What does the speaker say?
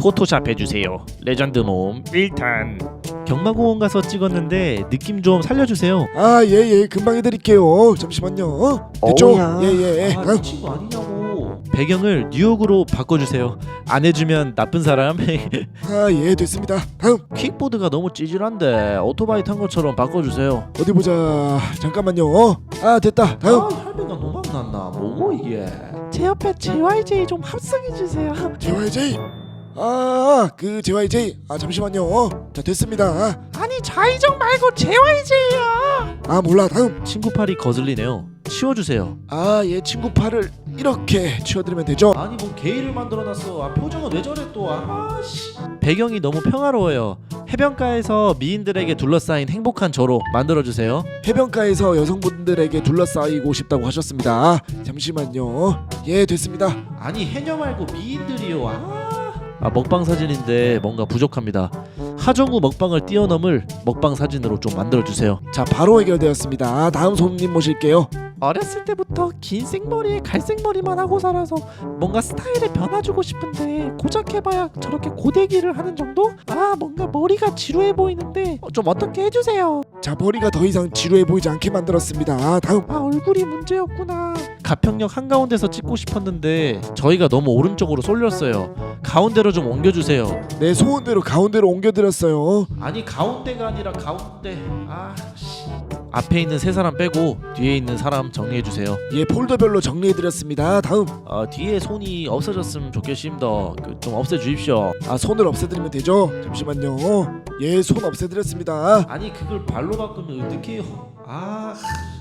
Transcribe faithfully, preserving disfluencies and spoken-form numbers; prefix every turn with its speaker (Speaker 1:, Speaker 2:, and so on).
Speaker 1: 포토샵 해주세요. 레전드 몸 일 탄. 경마공원 가서 찍었는데 느낌 좀 살려주세요.
Speaker 2: 아 예예 금방 해드릴게요. 잠시만요. 됐죠?
Speaker 3: 어우야.
Speaker 2: 예예.
Speaker 1: 아,
Speaker 2: 다음.
Speaker 1: 미친 거 아니냐고. 배경을 뉴욕으로 바꿔주세요. 안 해주면 나쁜 사람.
Speaker 2: 아예 됐습니다. 다음.
Speaker 1: 킥보드가 너무 찌질한데 오토바이 탄 것처럼 바꿔주세요.
Speaker 2: 어디 보자. 잠깐만요. 아 됐다. 다음.
Speaker 1: 아 할배가 노망 났나 뭐고 이게. 제 옆에 제이와이제이 좀 합성해주세요.
Speaker 2: 제이와이제이. 아그 제이와이제이. 아 잠시만요. 자 됐습니다.
Speaker 1: 아니 좌이정 말고 제이와이제이야.
Speaker 2: 아 몰라. 다음.
Speaker 1: 친구 팔이 거슬리네요. 치워주세요.
Speaker 2: 아예 친구 팔을 이렇게 치워드리면 되죠.
Speaker 1: 아니 뭐 게이를 만들어놨어. 아 표정은 왜 저래 또. 아씨. 배경이 너무 평화로워요. 해변가에서 미인들에게 둘러싸인 행복한 저로 만들어주세요.
Speaker 2: 해변가에서 여성분들에게 둘러싸이고 싶다고 하셨습니다. 잠시만요. 예 됐습니다.
Speaker 1: 아니 해녀 말고 미인들이요. 아, 아 먹방 사진인데 뭔가 부족합니다. 하정우 먹방을 뛰어넘을 먹방 사진으로 좀 만들어주세요.
Speaker 2: 자 바로 해결되었습니다. 다음 손님 모실게요.
Speaker 1: 어렸을 때부터 긴 생머리에 갈색머리만 하고 살아서 뭔가 스타일에 변화 주고 싶은데 고작 해봐야 저렇게 고데기를 하는 정도? 아 뭔가 머리가 지루해 보이는데 좀 어떻게 해주세요.
Speaker 2: 자 머리가 더 이상 지루해 보이지 않게 만들었습니다. 다음.
Speaker 1: 아 얼굴이 문제였구나. 가평역 한가운데서 찍고 싶었는데 저희가 너무 오른쪽으로 쏠렸어요. 가운데로 좀 옮겨주세요.
Speaker 2: 내 소원대로 가운데로 옮겨드렸어요.
Speaker 1: 아니 가운데가 아니라 가운데. 아 씨. 앞에 있는 세 사람 빼고 뒤에 있는 사람 정리해주세요.
Speaker 2: 예 폴더별로 정리해드렸습니다. 다음.
Speaker 1: 어, 뒤에 손이 없어졌으면 좋겠습니다. 그, 좀 없애주십시오.
Speaker 2: 아 손을 없애드리면 되죠. 잠시만요. 예 손 없애드렸습니다.
Speaker 1: 아니 그걸 발로 바꾸면 어떡해요. 아